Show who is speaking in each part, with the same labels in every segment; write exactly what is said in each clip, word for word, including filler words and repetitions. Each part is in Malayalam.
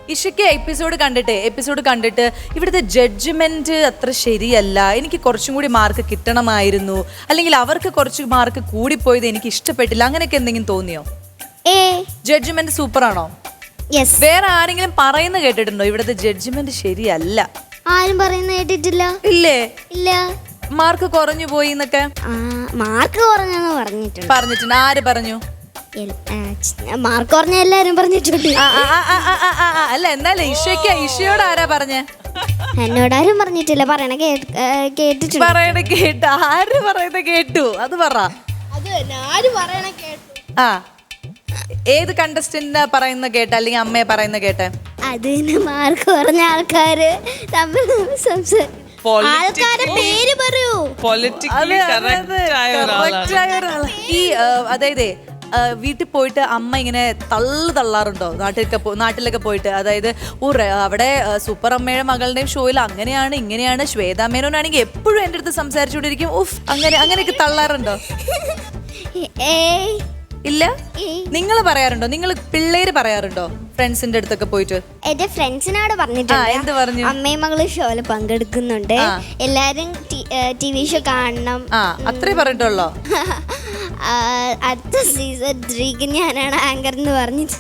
Speaker 1: ഇഷയ്ക്ക് എപ്പിസോഡ് കണ്ടിട്ട് എപ്പിസോഡ് കണ്ടിട്ട് ഇവിടുത്തെ ജഡ്ജ്മെന്റ് അത്ര ശരിയല്ല, എനിക്ക് കുറച്ചും കൂടി മാർക്ക് കിട്ടണമായിരുന്നു, അല്ലെങ്കിൽ അവർക്ക് കുറച്ച് മാർക്ക് കൂടിപ്പോയത് എനിക്ക് ഇഷ്ടപ്പെട്ടില്ല, അങ്ങനെയൊക്കെ എന്തെങ്കിലും തോന്നിയോ?
Speaker 2: ഏ
Speaker 1: ജഡ്ജ്മെന്റ് സൂപ്പർ ആണോ?
Speaker 2: യെസ്.
Speaker 1: വേറെ ആരെങ്കിലും പറയുന്ന കേട്ടിട്ടുണ്ടോ ഇവിടുത്തെ ജഡ്ജ്മെന്റ് ശരിയല്ല?
Speaker 2: ആരും പറയുന്ന കേട്ടിട്ടില്ല.
Speaker 1: ഇല്ലേ?
Speaker 2: ഇല്ല.
Speaker 1: മാർക്ക് കുറഞ്ഞു പോയി എന്നൊക്കെ
Speaker 2: മാർക്ക് കുറഞ്ഞെന്ന് പറഞ്ഞിട്ടുണ്ട്.
Speaker 1: പറഞ്ഞിട്ടുണ്ട്. ആര് പറഞ്ഞു?
Speaker 2: മാർക്ക് കുറഞ്ഞ എല്ലാരും പറഞ്ഞിട്ടുണ്ട്.
Speaker 1: അല്ല, എന്നാലും ഇഷയ്ക്ക് ഇഷയോട് ആരാ പറഞ്ഞേ?
Speaker 2: എന്നോടാരും പറഞ്ഞിട്ടില്ല. പറയണ കേട്ടിട്ടുണ്ട്.
Speaker 1: പറയണ കേട്ടു. ആര് പറയുന്ന കേട്ടു? അത് പറ. ആ, ഏത് കണ്ടസ്റ്റന്റ് പറയുന്ന കേട്ട, അല്ലെങ്കിൽ അമ്മയെ പറയുന്ന കേട്ടെ?
Speaker 2: അതിന് മാർക്ക് കുറഞ്ഞ ആൾക്കാര് തമ്മിൽ സംസാരിക്കും. ആൾക്കാരെ പേര് പറയൂ.
Speaker 1: ഈ അതായത് വീട്ടിൽ പോയിട്ട് അമ്മ ഇങ്ങനെ തള്ളു തള്ളാറുണ്ടോ നാട്ടിലൊക്കെ നാട്ടിലൊക്കെ പോയിട്ട്? അതായത് അവിടെ സൂപ്പർ അമ്മയുടെ മകളുടെയും ഷോയിൽ അങ്ങനെയാണ് ഇങ്ങനെയാണ്, ശ്വേതാ മേനോനാണെങ്കിൽ എപ്പോഴും എൻ്റെ അടുത്ത് സംസാരിച്ചുകൊണ്ടിരിക്കും. ഉഫ്, അങ്ങനെ അങ്ങനെയൊക്കെ തള്ളാറുണ്ടോ? ഇല്ല. നിങ്ങൾ പറയാറുണ്ടോ? നിങ്ങൾ പിള്ളേര് പറയാറുണ്ടോ ഫ്രണ്ട്സിന്റെ അടുത്തൊക്കെ പോയിട്ട്?
Speaker 2: എന്റെ ഫ്രണ്ട്സിനോട് പറഞ്ഞിട്ടുണ്ട്.
Speaker 1: എന്ത് പറഞ്ഞു?
Speaker 2: അമ്മയും മകളും ഷോയില് പങ്കെടുക്കുന്നുണ്ട്, എല്ലാരും ടി വി ഷോ കാണണം,
Speaker 1: അത്രേ പറഞ്ഞിട്ടുള്ളോ?
Speaker 2: അടുത്ത സീസൺ ത്രീക്ക് ഞാനാണ് ആങ്കർ എന്ന് പറഞ്ഞിട്ട്.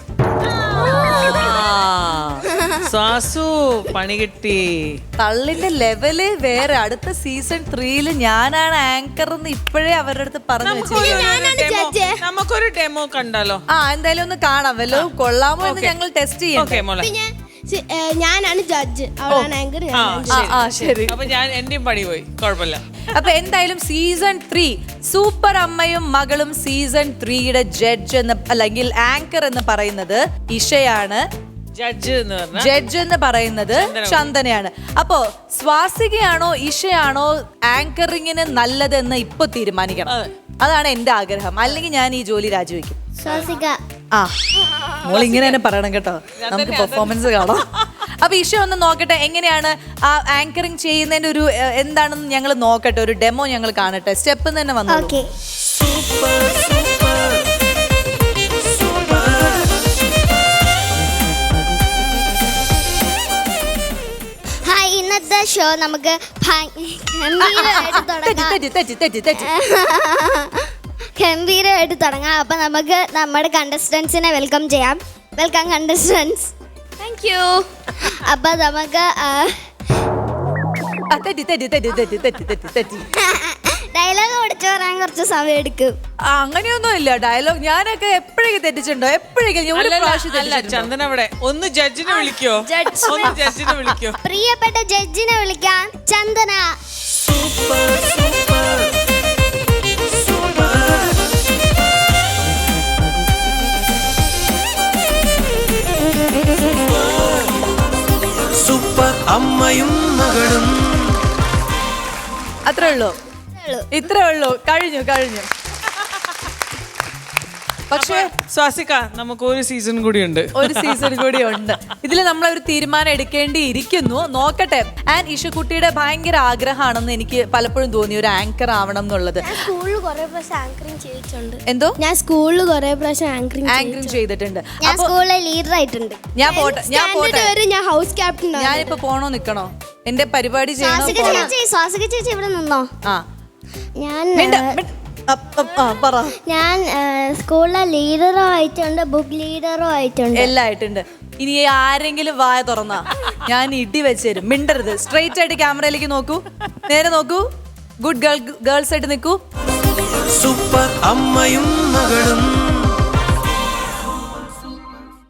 Speaker 3: പണി കിട്ടി.
Speaker 1: തള്ളിന്റെ ലെവല് വേറെ. അടുത്ത സീസൺ ത്രീയില് ഞാനാണ് ആങ്കർ എന്ന് ഇപ്പോഴേ അവരുടെ അടുത്ത് പറഞ്ഞു വെച്ചു.
Speaker 3: നമുക്കൊരു ഡെമോ കണ്ടാലോ?
Speaker 1: ആ, എന്തായാലും ഒന്ന് കാണാം. വല്ലോ കൊള്ളാമോ എന്ന് ഞങ്ങൾ ടെസ്റ്റ് ചെയ്യാം.
Speaker 2: ഞാനാണ് ജഡ്ജ്, അവളാണ് ആങ്കർ.
Speaker 1: ശരി,
Speaker 3: അപ്പൊ ഞാൻ എന്റെയും പണി പോയി, കുഴപ്പമില്ല.
Speaker 1: അപ്പൊ എന്തായാലും സീസൺ ത്രീ സൂപ്പർ അമ്മയും മകളും സീസൺ ത്രീയുടെ ജഡ്ജ് എന്ന് അല്ലെങ്കിൽ ആങ്കർ എന്ന് പറയുന്നത് ഇഷയാണ്.
Speaker 3: ജഡ്ജ്
Speaker 1: ജഡ്ജ് എന്ന് പറയുന്നത് ചന്ദനയാണ്. അപ്പോ സ്വാസികയാണോ ഇഷയാണോ ആങ്കറിങ്ങിന് നല്ലതെന്ന് ഇപ്പൊ തീരുമാനിക്കണം. അതാണ് എന്റെ ആഗ്രഹം. അല്ലെങ്കിൽ ഞാൻ ഈ ജോലി രാജിവെക്കും. ആ, മോൾ ഇങ്ങനെ തന്നെ പറയണം കേട്ടോ, നമുക്ക് പെർഫോമൻസ് കാണാം. അപ്പൊ ഇഷ ഒന്ന് നോക്കട്ടെ എങ്ങനെയാണ് ആ ആങ്കറിങ് ചെയ്യുന്നതിന്റെ ഒരു എന്താണെന്ന് ഞങ്ങൾ നോക്കട്ടെ. ഒരു ഡെമോ ഞങ്ങൾ കാണട്ടെ. സ്റ്റെപ്പ് തന്നെ വന്നു.
Speaker 2: ഇന്നത്തെ ഷോ നമുക്ക് ഗംഭീരമായിട്ട് തുടങ്ങാം. അപ്പൊ നമുക്ക് നമ്മുടെ കണ്ടസ്റ്റൻസിനെ വെൽക്കം ചെയ്യാം. Welcome contestants.
Speaker 4: Thank you.
Speaker 2: അപ്പൊ നമുക്ക് ഡയലോഗ് പഠിച്ചു പറയാൻ കുറച്ച് സമയം എടുക്കും.
Speaker 1: അങ്ങനെയൊന്നും ഇല്ല. ഡയലോഗ് ഞാനൊക്കെ എപ്പോഴേക്കും തെറ്റിച്ചിട്ടുണ്ടോ? എപ്പോഴേക്കും.
Speaker 3: ചന്ദന അവിടെ ഒന്ന് ജഡ്ജിനെ വിളിക്കോ? ഒന്ന് ജഡ്ജിനെ വിളിക്കോ?
Speaker 2: പ്രിയപ്പെട്ട ജഡ്ജിനെ വിളിക്കാൻ ചന്ദന.
Speaker 5: സൂപ്പർ അമ്മയും മകളും.
Speaker 1: അത്രേ ഉള്ളൂ, ഇത്രേ ഉള്ളൂ. കഴിഞ്ഞു കഴിഞ്ഞു. പക്ഷേ
Speaker 3: സ്വാസിക, നമുക്ക് ഒരു സീസൺ കൂടി ഉണ്ട്.
Speaker 1: ഒരു സീസൺ കൂടി ഉണ്ട്. ഇതിൽ നമ്മൾ ഒരു തീരുമാനം എടുക്കേണ്ടിയിരിക്കുന്നു. നോക്കട്ടെ. ആൻഡ് ഇഷക്കുട്ടിയുടെ ഭയങ്കര ആഗ്രഹമാണെന്ന് എനിക്ക് പലപ്പോഴും തോന്നി, ഒരു ആങ്കർ ആവണം എന്നുള്ളത്.
Speaker 2: സ്കൂളിൽ കുറെ പ്രാവശ്യം ആങ്കറിംഗ് ചെയ്തിട്ടുണ്ട്.
Speaker 1: എന്തോ?
Speaker 2: ഞാൻ സ്കൂളിൽ കുറെ പ്രാവശ്യം ആങ്കറിംഗ്
Speaker 1: ആങ്കറിംഗ് ചെയ്തിട്ടുണ്ട്.
Speaker 2: ഞാൻ സ്കൂളിലെ ലീഡർ ആയിട്ടുണ്ട്.
Speaker 1: ഞാൻ പോട്ടെ ഞാൻ പോട്ടെ
Speaker 2: ഞാൻ ഹൗസ് ക്യാപ്റ്റൻ.
Speaker 1: ഞാനിപ്പോ പോണോ നിക്കണോ? എന്റെ പരിപാടി ചെയ്യണോ?
Speaker 2: സ്വാസിക ചേച്ചി ഇവിടെ നിന്നോ?
Speaker 1: ആ,
Speaker 2: ഞാൻ ഞാൻ സ്കൂളിലെ ലീഡറും ആയിട്ടുണ്ട്, ബുക്ക് ലീഡറും ആയിട്ടുണ്ട്,
Speaker 1: എല്ലാം ആയിട്ടുണ്ട്. ഇനി ആരെങ്കിലും വായ തുറന്നാ ഞാൻ ഇടി വെച്ചുതരും. മിണ്ടരുത്. സ്ട്രെയിറ്റ് ആയിട്ട് ക്യാമറയിലേക്ക് നോക്കൂ, നേരെ നോക്കൂ. ഗുഡ് ഗേൾ ഗേൾസ് ആയിട്ട് നിൽക്കൂ.
Speaker 5: സൂപ്പർ അമ്മയും മകളും.